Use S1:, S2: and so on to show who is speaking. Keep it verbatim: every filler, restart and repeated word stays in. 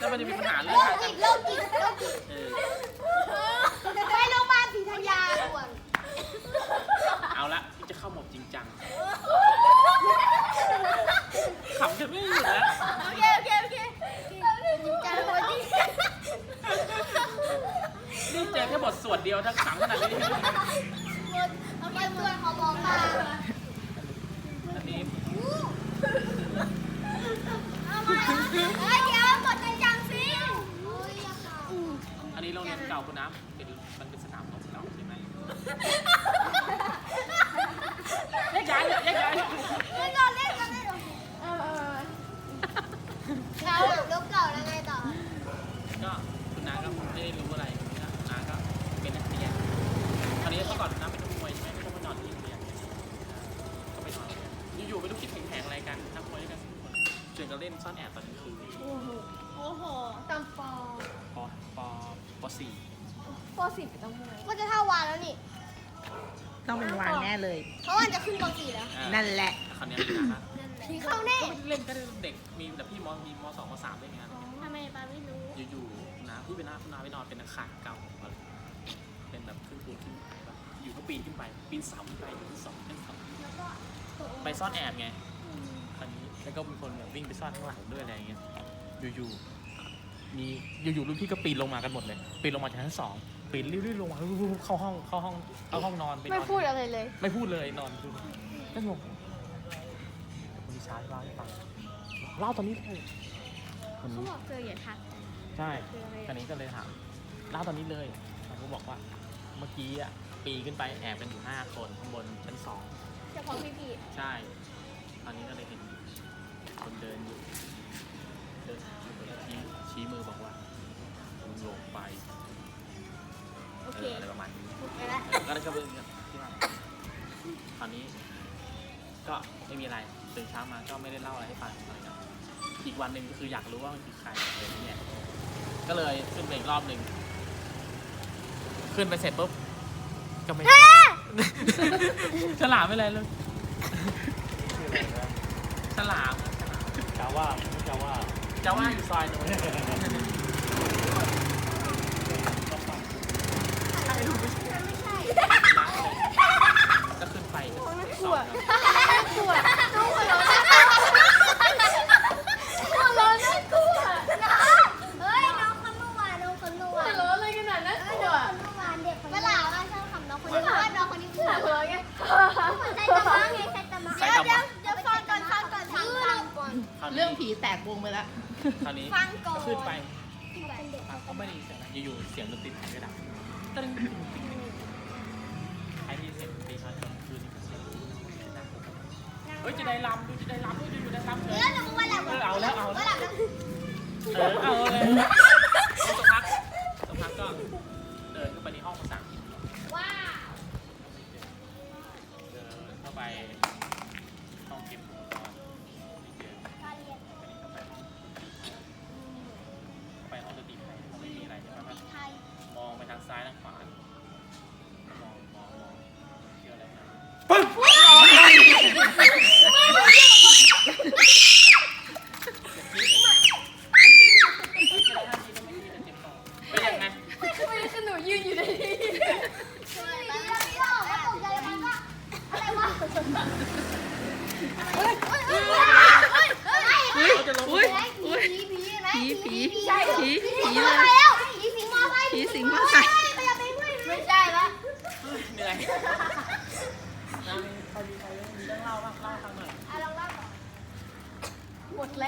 S1: แล้วมันจะมีปัญหาเรื่อง
S2: โรคจิตโรคจิตโรคจิตไปโรงพยาบาลศรีธัญญาด่วน
S1: เอาละที่จะเข้าหมดจริงจังขำกันไม่หยุดนะ
S2: โอเคโอเคโอเคจริงจังวันนี้
S1: นี่เจอแค่บทสวดเดียวทั้งขำขนาดนี้
S2: โอเคส่วนของหมอปลา
S1: อันนี้
S2: เอามาเฮ้ยเดี๋ยวหมดจริงจังสิ
S1: อันนี้โรงเรียนเก่าคุณน้ำเป็นมันเป็นสนามรบเก่าใช่ไหมแยกย้ายแยกย้าย
S2: เล่นก่อนเล่นก่อนเล่นก่อนเออเออเก่าลบเก่าแล้วไงต่อ
S1: ก็คุณน้าก็ไม่ได้รู้อะไรนะคุณน้าก็เป็นนักเรียนตอนนี้เมื่อก่อนคุณน้าเป็นนักมวยใช่ไหมไม่ต้องไปนอนที่โรงเรียนก็ไปนอนอยู่ๆไม่รู้คิดแผงๆอะไรกันนักมวยด้วยกันชวนกันเล่นซ่อนแอบตอนกลางคืน
S2: โอ้โหโอ้โหตำปอ
S1: ปปปสี่
S2: ปสี่เป็นตำมวยก็จะเท่าวานแล้วนี่
S3: ต้องเป็นวานแน่เลย
S2: เพราะว่าจะขึ้นปสี่แล้ว
S3: นั่นแหละ
S1: คราวนี้นะ
S2: เข้าแน่
S1: เล่นก็เด็กมีแต่พี่มมีมสองมสามได้ไง
S2: ทำไมปาไม่รู้
S1: อยู่ๆนะพี่เป็นหน้าคุณน้าไปนอนเป็นอาคารเก่าเป็นแบบขึ้นปูนขึ้นแบบอยู่ก็ปีนขึ้นไปปีนเสาขึ้นไปอยู่ที่สองเป็นสองไปซ่อนแอบไงคราวนี้แล้วก็มีคนแบบวิ่งไปซ่อนข้างหลังด้วยอะไรอย่างเงี้ยอยู่ๆมีอยู่ๆรุ่นพี่ก็ปีนลงมากันหมดเลยปีนลงมาจากชั้นสองปีนรีบๆลงมาเข้าห้องเข้าห้องเข้าห้องนอนไปนอน
S2: ไม่พูดอะไรเลย
S1: ไม่พูดเลยนอนดูก็งงคนที่ช้าเล่าให้ฟังเล่าตอนนี้เลยคนนี้
S2: เขาบอกเจออย่าทัก
S1: ใช่คราวนี้ก็เลยถามเล่าตอนนี้เลยเขาบอกว่าเมื่อกี้อ่ะปีขึ้นไปแอบกันอยู่ห้าคนข้างบนชั้นสอง
S2: เฉพาะพี่พี่
S1: ใช่ตอนนี้ก็เลยเห็นคนเดินอยู่เดินชี้ชี้มือบอกว่าลงไป
S2: โอเค
S1: อะไรประมาณนี้
S2: ก็
S1: เลยก็เป็นที่มาตอนนี้ก็ไม่มีอะไรตื่นเช้ามาก็ไม่ได้เล่าอะไรให้ฟังอะไรกันอีกวันหนึ่งก็คืออยากรู้ว่ามันคือใครอะไรเงี้ยก็เลยขึ้นไปอีกรอบหนึ่งขึ้นไปเสร็จปุ๊บก็ไม่ฉลามไม่อะไรเลยฉลาม
S4: จาว่าไม่จาว่า
S1: จาว่าอยู่ซอยนู้นก็ขึ้นไป
S2: กลัวกลัวน้องหัวเราะหัวเราะน่ากลัวเฮ้ยน้องคนเมื่อวานน้องคนเมื่อวานหัวเราะอะไรขนาดนั้นกลัวเมื่อวานเด็กคนเมื่อวานว่าชอบคำน้องคนนี้ว่าน้องคนนี้หัวเราะไงเหมือนใจตะมังไงใจตะมังเดี๋ยวเดี๋ยวเดี๋ยวฟังก่อนฟังก่อนฟังก่อน
S3: เรื่องผีแตกวงไปแล้ว
S1: คราวนี้ก็ขึ้นไปเขาไม่ได้ยินเสียงอยู่ๆเสียงดนตรีไทยก็ดังตึ้งไอ้ที่เสียงดนตรีไทยกลางคืนนี่เสียงเฮ้ยจะได้ลำดูจะได้ลำดูจะอยู่ได้ลำเลยเออเอาแล้วเอาแล้วเออเอาเลยสักพักสักพักก็เดินเข้าไปในห้องภาษาอังกฤษ
S2: ว้าว
S1: เดินเข้าไปห้องเก็บอุปกรณ์
S2: การเรียน
S1: ไปห้องดนตรีไทยไม่มีอะไรใช่ไหมมองไปทางซ้ายทางขวามองมองมองเชื่ออะไรนะปึ๊บเป็นยังไง
S2: ทำไมคือหนูยืนอยู่ในนี้อะไรวะเฮ้ยเฮ้ยเฮ้ยเฮ้ย
S3: อุ้ยอุ้ย
S2: ผีผีไหม
S3: ผีผีผีผีเลย
S2: ผีสิงมอไซค์
S3: ผีสิงมอไซค์
S2: ไม่ใช่ละ
S1: เหนื่อยใครมีใครมีเรื่องเล่าบ้างเล่าให้ฟังหน่อย
S2: ลองเล่าก่อนหมดแล้ว